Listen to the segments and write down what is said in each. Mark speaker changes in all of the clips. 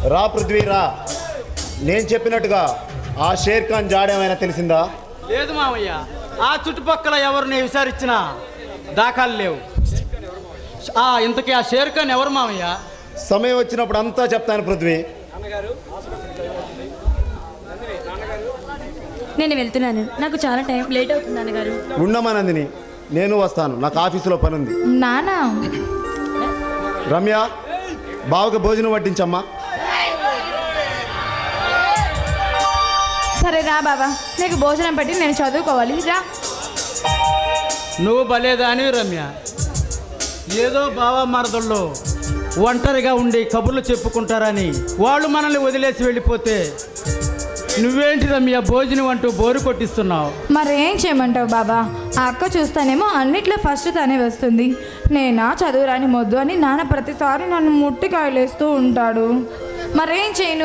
Speaker 1: రా పృథ్వీ రా. నేను చెప్పినట్టుగా ఆ షేర్ ఖాన్ జాడేమైనా తెలిసిందా?
Speaker 2: లేదు మామయ్య, ఆ చుట్టుపక్కల ఎవరిని విచారించినా దాఖలు లేవు. ఇంతకీ ఆ షేర్ ఖాన్ ఎవరు మామయ్య?
Speaker 1: సమయం వచ్చినప్పుడు అంతా చెప్తాను పృథ్వీ.
Speaker 3: నేను వెళ్తున్నాను, నాకు చాలా టైం లేట్ అవుతుంది నాన్నగారు.
Speaker 1: ఉండమా నందిని, నేను వస్తాను, నాకు ఆఫీసులో పని ఉంది.
Speaker 3: నానా
Speaker 1: రమ్య, బావకి భోజనం వడ్డించమ్మా.
Speaker 3: సరే రా బాబా, నీకు భోజనం పెట్టి నేను చదువుకోవాలి రా.
Speaker 2: నువ్వు బలేదాని రమ్య. ఏదో బావా మరదల్లో ఒంటరిగా ఉండి కబుర్లు చెప్పుకుంటారని వాళ్ళు మనల్ని వదిలేసి వెళ్ళిపోతే నువ్వేంటి రమ్య భోజనం అంటూ బోరు కొట్టిస్తున్నావు?
Speaker 3: మరేం చేయమంటావు బాబా, ఆ అక్క చూస్తానేమో అన్నిట్లో ఫస్ట్ తనే వస్తుంది. నేనా చదువురాని మొద్దు అని నాన్న ప్రతిసారి నన్ను ముట్టికాయలేస్తూ ఉంటాడు. మరేం చేయను?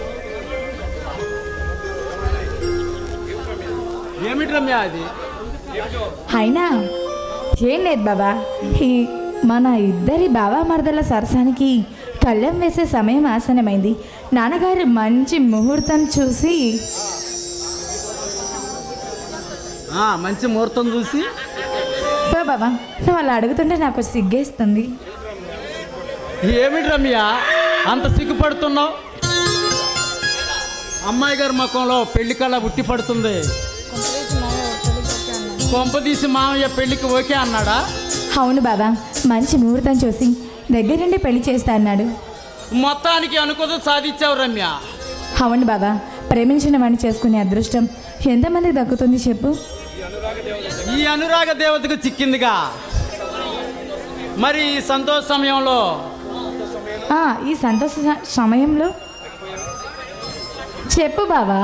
Speaker 2: ఏమిటి రమ్య అది?
Speaker 3: అయినా ఏం లేదు బాబా, మన ఇద్దరి బాబా మరదల సరసానికి కళ్ళెం వేసే సమయం ఆసనమైంది. నాన్నగారు మంచి ముహూర్తం చూసి
Speaker 2: మంచి ముహూర్తం చూసి
Speaker 3: బాబా, నువ్వు అలా అడుగుతుంటే నాకు సిగ్గేస్తుంది.
Speaker 2: ఏమిటి రమ్య అంత సిగ్గుపడుతున్నావు? అమ్మాయి గారి ముఖంలో పెళ్లి కళ ఉట్టి పడుతుంది. కొంపదీసి మామయ్య పెళ్లికి ఓకే అన్నాడా?
Speaker 3: అవును బాబా, మంచి ముహూర్తం చూసి దగ్గరుండి పెళ్లి చేస్తా అన్నాడు.
Speaker 2: మొత్తానికి అనుకోదు సాధించావు రమ్య.
Speaker 3: అవును బాబా, ప్రేమించిన వాడిని చేసుకునే అదృష్టం ఎంతమందికి దక్కుతుంది చెప్పు?
Speaker 2: ఈ అనురాగ దేవతకు చిక్కిందిగా. మరి ఈ సంతోష సమయంలో
Speaker 3: ఈ సంతోష సమయంలో చెప్పు బాబా.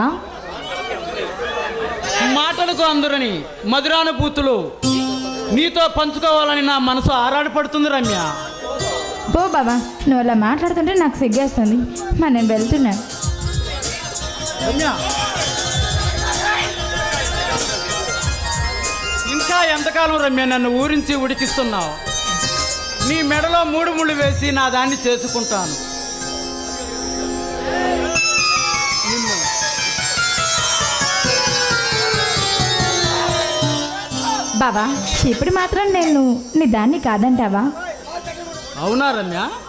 Speaker 2: మాటలకు అందరని మధురానుభూతులు నీతో పంచుకోవాలని నా మనసు ఆరాటపడుతుంది రమ్య.
Speaker 3: పో బాబా, నువ్వు అలా మాట్లాడుతుంటే నాకు సిగ్గేస్తుంది. మరి నేను వెళ్తున్నాను.
Speaker 2: రమ్య, ఇంకా ఎంతకాలం రమ్య నన్ను ఊరించి ఉడికిస్తున్నావు? నీ మెడలో 3 ముళ్ళు వేసి నా దాన్ని చేసుకుంటాను.
Speaker 3: బాబా, ఇప్పుడు మాత్రం నేను నీ దాన్ని కాదంటావా?
Speaker 2: అవునా రమ్య?